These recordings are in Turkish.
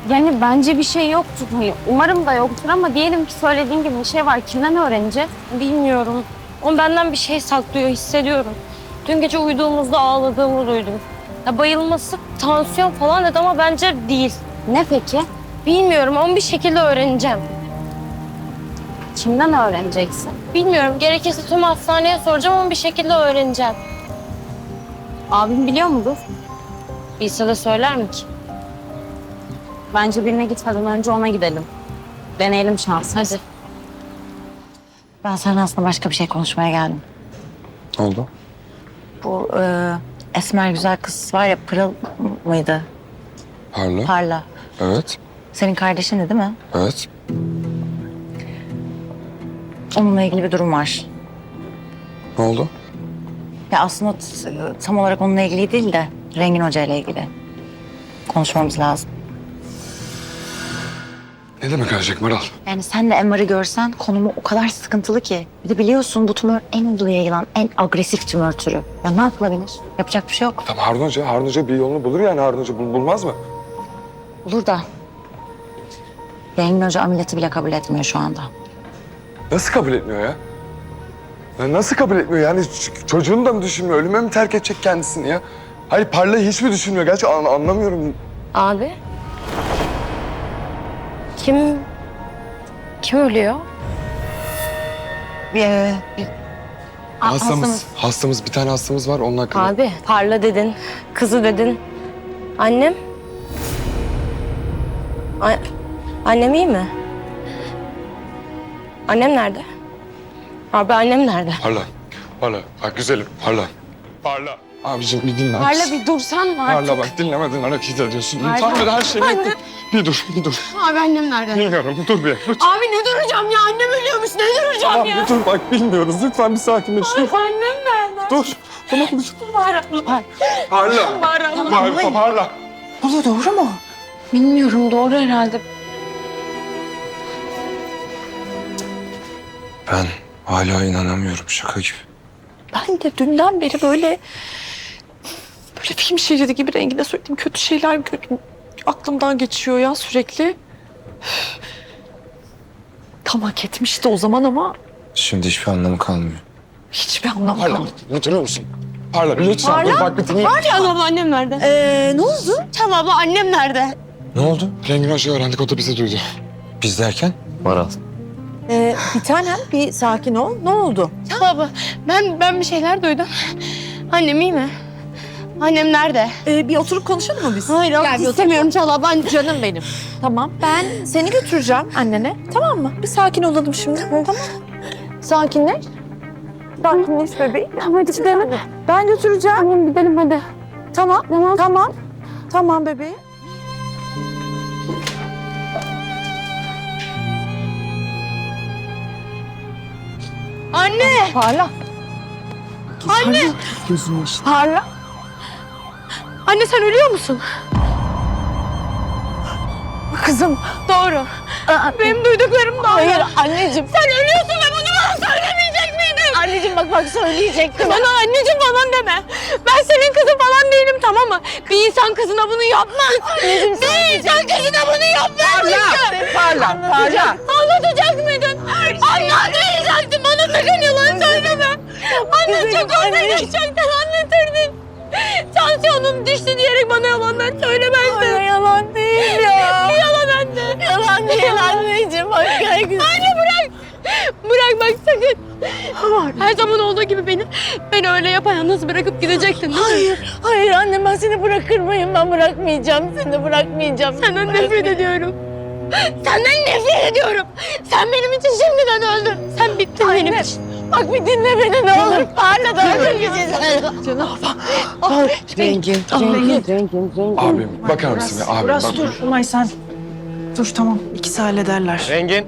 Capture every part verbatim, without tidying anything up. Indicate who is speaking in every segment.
Speaker 1: Yani bence bir şey yoktur. Hani umarım da yoktur ama diyelim ki söylediğin gibi bir şey var. Kimden öğreneceğiz?
Speaker 2: Bilmiyorum. O benden bir şey saklıyor, hissediyorum. Dün gece uyuduğumuzda ağladığımı duydum. Ya bayılması, tansiyon falan dedi ama bence değil.
Speaker 1: Ne peki?
Speaker 2: Bilmiyorum ama bir şekilde öğreneceğim.
Speaker 1: Kimden öğreneceksin?
Speaker 2: Bilmiyorum. Gerekirse tüm hastaneye soracağım ama bir şekilde öğreneceğim.
Speaker 1: Abim biliyor mudur?
Speaker 2: Bilse de söyler mi ki?
Speaker 1: Bence birine gitmeden önce ona gidelim. Deneyelim şansımızı.
Speaker 2: Hadi.
Speaker 3: Ben seninle aslında başka bir şey konuşmaya geldim.
Speaker 4: Ne oldu?
Speaker 3: Bu e, esmer güzel kız var ya, Pırıl mıydı?
Speaker 4: Parla.
Speaker 3: Parla.
Speaker 4: Evet.
Speaker 3: Senin kardeşindi değil mi?
Speaker 4: Evet.
Speaker 3: Onunla ilgili bir durum var.
Speaker 4: Ne oldu?
Speaker 3: Ya aslında t- tam olarak onunla ilgili değil de Rengin Hoca ile ilgili. Konuşmamız lazım.
Speaker 4: Ne demek Ayşek Maral?
Speaker 3: Yani sen de M R'ı görsen konumu o kadar sıkıntılı ki. Bir de biliyorsun bu tümör en hızlı yayılan, en agresif tümör türü. Ya ne yapılabilir? Yapacak bir şey yok.
Speaker 4: Tamam Harun Hoca, Harun Hoca bir yolunu bulur yani Harun Hoca bul- bulmaz mı?
Speaker 3: Olur da Rengin Hoca ameliyatı bile kabul etmiyor şu anda.
Speaker 4: Nasıl kabul etmiyor ya? Ya nasıl kabul etmiyor yani ç- çocuğunu da mı düşünmüyor? Ölüme mi terk edecek kendisini ya? Hayır Parla'yı hiç mi düşünmüyor? Gerçi an- anlamıyorum.
Speaker 2: Abi. Kim... Kim ölüyor?
Speaker 3: Bir, e, bir A-
Speaker 4: Hastamız, hastamız, bir tane hastamız var onun hakkında.
Speaker 2: Abi, Parla dedin, kızı dedin. Annem? A- annem iyi mi? Annem nerede? Abi annem nerede?
Speaker 4: Parla, Parla. Bak güzelim, Parla. Parla. Abiciğim bir dinle.
Speaker 1: Parla bir dursan mı artık?
Speaker 4: Parla bak dinlemeden hareket ediyorsun.
Speaker 1: Parla.
Speaker 4: Tamam her şeyi bekle. Bir dur, bir dur.
Speaker 1: Abi annem nerede?
Speaker 4: Bilmiyorum, dur bir. Lütfen.
Speaker 1: Abi ne duracağım ya? Annem ölüyormuş. Ne duracağım
Speaker 4: Tamam
Speaker 1: ya?
Speaker 4: bir dur bak bilmiyoruz. Lütfen bir sakinleş. Dur.
Speaker 1: Annem nerede?
Speaker 4: Dur. Tamam dur.
Speaker 1: Bağıra.
Speaker 4: Parla.
Speaker 1: Bağıra.
Speaker 4: Parla. Parla.
Speaker 3: Bu da doğru mu?
Speaker 2: Bilmiyorum, doğru herhalde.
Speaker 4: Ben hala inanamıyorum şaka gibi.
Speaker 5: Ben de dünden beri böyle böyle film şeridi gibi Rengin'e söylediğim kötü şeyler kötü, aklımdan geçiyor ya sürekli. Tam hak etmişti o zaman ama
Speaker 4: Şimdi hiçbir anlamı kalmıyor.
Speaker 5: hiçbir anlamı
Speaker 4: Parla.
Speaker 5: kalmadı.
Speaker 4: Oturur musun? Parla lütfen. Dur, bak bir dinle.
Speaker 1: Çağla abla annem nerede?
Speaker 5: Ee, ne oldu?
Speaker 1: Çağla abla annem nerede?
Speaker 4: Ne oldu? Rengin Hoca öğrendik o da bizi duydu. Biz derken? Maral.
Speaker 5: Ee, bir tanem bir sakin ol. Ne oldu?
Speaker 1: Çağla abla ben, ben bir şeyler duydum. Annem iyi mi? Annem nerede?
Speaker 5: Ee, bir oturup konuşalım mı biz?
Speaker 1: Hayır
Speaker 5: Gel, bir
Speaker 1: istemiyorum Çağla abla. Anne-
Speaker 5: Canım benim. Tamam ben seni götüreceğim annene. Tamam mı? Bir sakin olalım şimdi. Tamam. Sakinleş. Sakinleş bebeğim.
Speaker 1: Tamam hadi gidelim.
Speaker 5: Ben götüreceğim.
Speaker 1: Annem gidelim hadi.
Speaker 5: Tamam.
Speaker 1: Tamam.
Speaker 5: Tamam. Tamam bebeğim.
Speaker 1: Anne!
Speaker 5: Parla.
Speaker 1: Anne!
Speaker 5: Gözünü işte.
Speaker 1: Parla. Anne sen ölüyor musun?
Speaker 5: Kızım.
Speaker 1: Doğru. Benim duyduklarım doğru.
Speaker 5: Hayır anneciğim.
Speaker 1: Sen ölüyorsun ve bunu bana söylemeyecek miydin?
Speaker 5: Anneciğim bak bak söyleyecektim.
Speaker 1: Bana anneciğim falan deme. Ben senin kızın falan değilim tamam mı? Bir insan kızına bunu yapmaz. Bir insan kızına bunu yapmaz.
Speaker 5: Parla. Parla.
Speaker 1: Anlatacak mıydın? Anlatmayacaktın. Bana sakın yalan söyleme. Anne çok anlatacaktın anlatırdın. Tansiyonum düştü diyerek bana yalanlar söylemezdin.
Speaker 5: Hayır yalan değil ya.
Speaker 1: Yalan anne.
Speaker 5: Yalan değil anneciğim. Bak gel güzel.
Speaker 1: Anne bırak. Bırak bak sakın. Her zaman olduğu gibi beni beni öyle yapayalnız bırakıp gidecektin değil mi?
Speaker 5: Hayır. Hayır anne ben seni bırakır mıyım? Ben bırakmayacağım. Seni bırakmayacağım.
Speaker 1: Senden nefret ediyorum. Senden nefret ediyorum. Sen benim için şimdiden öldün. Sen bittin benim için.
Speaker 5: Bak bir dinle beni ne olur. Parla da öldürmeyeceğiz. Canım.
Speaker 6: Rengin, rengin, rengin, rengin.
Speaker 4: Abim bakar mısın ya? Abim
Speaker 5: Biraz
Speaker 4: bak.
Speaker 5: dur Umay sen. Dur tamam. İkisi hallederler.
Speaker 7: Rengin.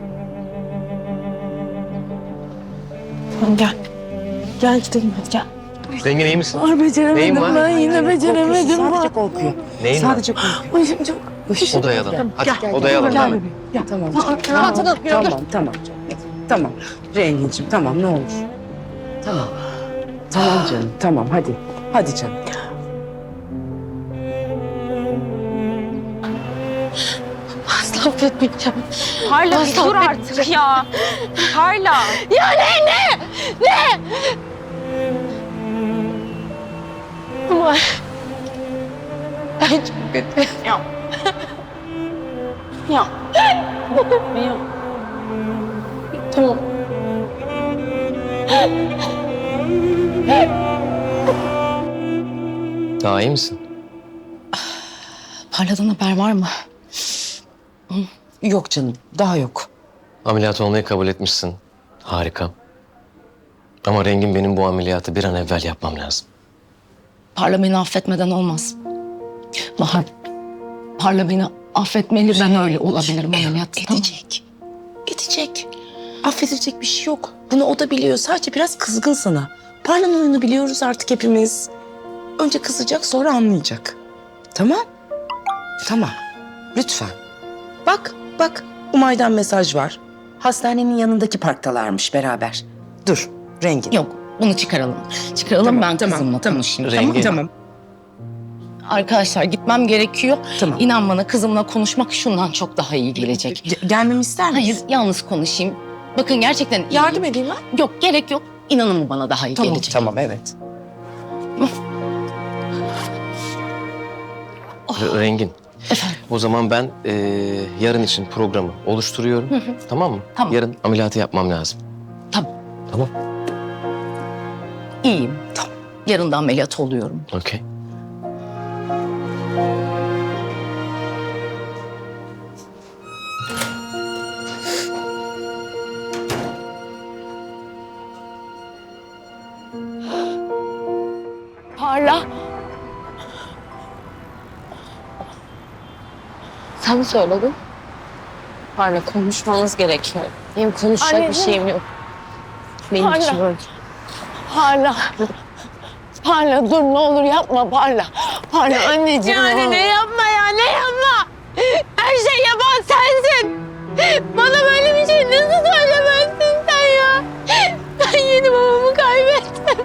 Speaker 5: Tamam gel. Gel gidelim hadi gel.
Speaker 7: Rengin iyi misin?
Speaker 5: Ay
Speaker 7: Neyin
Speaker 5: beceremedim
Speaker 7: var?
Speaker 5: ben yine beceremedim.
Speaker 6: Sadece korkuyor.
Speaker 7: Neyin
Speaker 6: Sadece korkuyor.
Speaker 5: Başım çok.
Speaker 7: Odaya alalım. Hadi
Speaker 5: Gel,
Speaker 7: odaya alalım.
Speaker 5: Gel
Speaker 7: hemen.
Speaker 5: bebeğim. Gel.
Speaker 6: Tamam. Tamam, tamam, tamam. Tamam. Renginciğim tamam ne olur. Tamam. Tamam canım, tamam hadi. Hadi canım.
Speaker 1: Asla affetmeyeceğim.
Speaker 2: Parla bir
Speaker 1: Asla
Speaker 2: dur artık ya. Parla.
Speaker 1: Ya ne ne? Ne? Ama ben çok kötü.
Speaker 2: Ya. Ya. Ya.
Speaker 1: Tamam.
Speaker 7: Daha iyi misin?
Speaker 6: Parla'dan haber var mı? Yok canım, daha yok.
Speaker 7: Ameliyat olmayı kabul etmişsin. Harika. Ama Rengin benim bu ameliyatı bir an evvel yapmam lazım.
Speaker 8: Parla beni affetmeden olmaz. Bahar, Parla beni affetmeli, ben öyle olabilirim ameliyatta. Tamam.
Speaker 6: Edecek. Edecek. Affedilecek bir şey yok. Bunu o da biliyor. Sadece biraz kızgın sana. Parla'nın oyunu biliyoruz artık hepimiz. Önce kızacak, sonra anlayacak. Tamam? Tamam. Lütfen. Bak, bak. Umay'dan mesaj var. Hastanenin yanındaki parktalarmış beraber. Dur, Rengin.
Speaker 8: Yok, bunu çıkaralım. Çıkaralım,
Speaker 6: Tamam,
Speaker 8: ben
Speaker 6: tamam,
Speaker 8: kızımla
Speaker 6: tamam.
Speaker 8: konuşayım.
Speaker 7: Rengin.
Speaker 8: Tamam. Arkadaşlar gitmem gerekiyor.
Speaker 6: Tamam.
Speaker 8: İnan bana kızımla konuşmak şundan çok daha iyi gelecek.
Speaker 6: Ge- gelmemi ister misin?
Speaker 8: Hayır, yalnız konuşayım. Bakın gerçekten iyi.
Speaker 6: Yardım edeyim ben.
Speaker 8: Yok, gerek yok. İnanın bana daha iyi
Speaker 6: Tamam,
Speaker 8: gelecek.
Speaker 6: tamam, evet.
Speaker 7: R- Rengin. O zaman ben eee, yarın için programı oluşturuyorum. Tamam mı?
Speaker 8: Tamam.
Speaker 7: Yarın ameliyatı yapmam lazım.
Speaker 8: Tamam.
Speaker 7: Tamam.
Speaker 8: İyiyim. Tamam. Yarın da ameliyat oluyorum.
Speaker 7: Okey.
Speaker 1: Parla. Sen mi söyledin?
Speaker 2: Parla konuşmamız gerekiyor. Benim konuşacak bir
Speaker 1: Anneciğim.
Speaker 2: şeyim yok. Benim
Speaker 1: Parla.
Speaker 2: için böyle.
Speaker 1: Parla. Parla dur ne olur yapma Parla. Parla anneciğim. Yani ne yapma ya ne yapma. Her şey yapan sensin. Bana böyle bir şey nasıl söylemezsin sen ya? Ben yeni babamı kaybettim.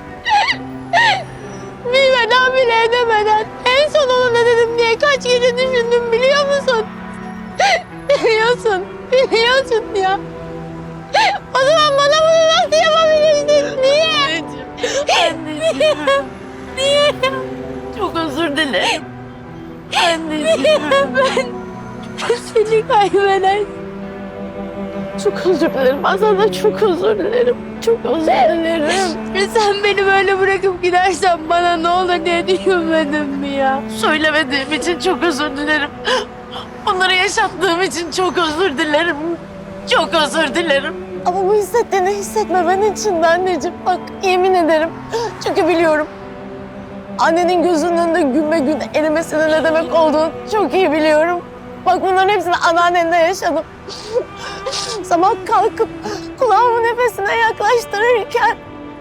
Speaker 1: Bir veda bile edemeden en son ona ne dedim diye kaç gece düşündüm biliyor musun? Biliyorsun, biliyorsun ya. O zaman bana bunu nasıl yapabilirsin? Niye? Anneciğim. Niye? Niye? Çok özür dilerim. Anneciğim. Ben seni kaybeder. Çok özür dilerim. Aslında çok özür dilerim. Çok özür dilerim. Sen beni böyle bırakıp gidersen bana ne olur diye düşünmedin mi ya? Söylemediğim için çok özür dilerim. Onları yaşattığım için çok özür dilerim. Çok özür dilerim. Ama bu hissettiğini hissetmemen için de anneciğim. Bak yemin ederim. Çünkü biliyorum. Annenin gözünün önünde gün be gün erimesinin ne demek olduğunu çok iyi biliyorum. Bak bunların hepsini anneannende yaşadım. Sabah kalkıp kulağımı nefesine yaklaştırırken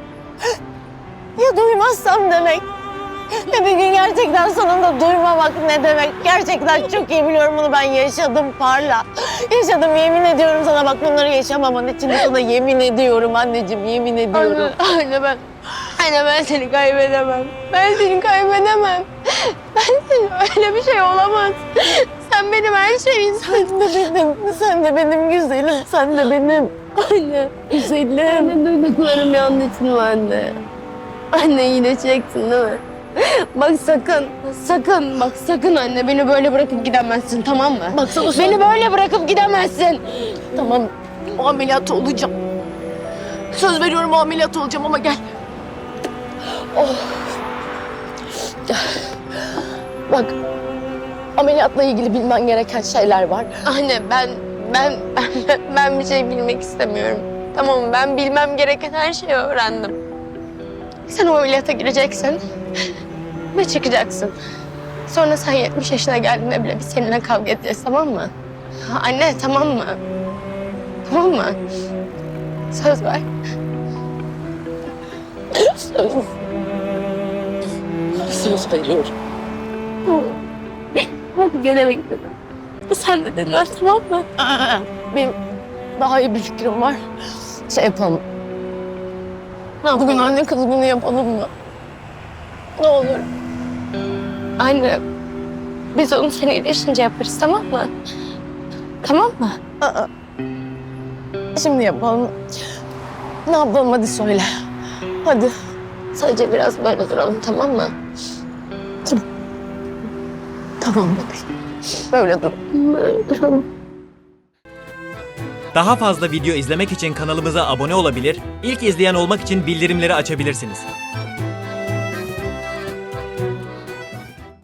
Speaker 1: ya duymazsam demek. Ve bir gün gerçekten sonunda duymamak ne demek? Gerçekten çok iyi biliyorum bunu ben yaşadım Parla. Yaşadım yemin ediyorum sana bak bunları yaşamaman için de sana yemin ediyorum anneciğim yemin ediyorum. Anne, anne ben, anne ben seni kaybedemem. Ben seni kaybedemem. Ben seni öyle bir şey olamaz. Sen benim her şeyim. Sen de benim, sen de benim güzelim. Sen de benim. Anne güzelim. Anne duyduklarım yanlış mı anne? Anne iyileşeceksin değil mi? Bak sakın, sakın, bak sakın anne beni böyle bırakıp gidemezsin tamam mı? Bak sana beni böyle bırakıp gidemezsin. Tamam, o ameliyat olacağım. Söz veriyorum o ameliyat olacağım ama gel. Oh. Bak, ameliyatla ilgili bilmen gereken şeyler var. Anne ben, ben, ben, ben bir şey bilmek istemiyorum. Tamam mı? Ben bilmem gereken her şeyi öğrendim. Sen o ameliyata gireceksin ve çıkacaksın. Sonra sen yetmiş yaşına geldiğinde bile biz seninle kavga edeceğiz tamam mı? Ha, anne tamam mı? Tamam mı? Söz ver. Söz. Söz veriyorum. Hadi gene bekledim. Sen de dinler tamam mı? Benim daha iyi bir fikrim var. Şey yapalım. Bugün anne kız günü yapalım mı? Ne olur. Anne, biz onu sen iyileşince yaparız tamam mı?
Speaker 2: Tamam mı?
Speaker 5: Aa. Şimdi yapalım. Ne yapalım hadi söyle. Hadi.
Speaker 2: Sadece biraz böyle duralım, tamam mı?
Speaker 5: Tamam bebeğim. Böyle dur.
Speaker 2: Böyle duralım.
Speaker 9: Daha fazla video izlemek için kanalımıza abone olabilir, ilk izleyen olmak için bildirimleri açabilirsiniz.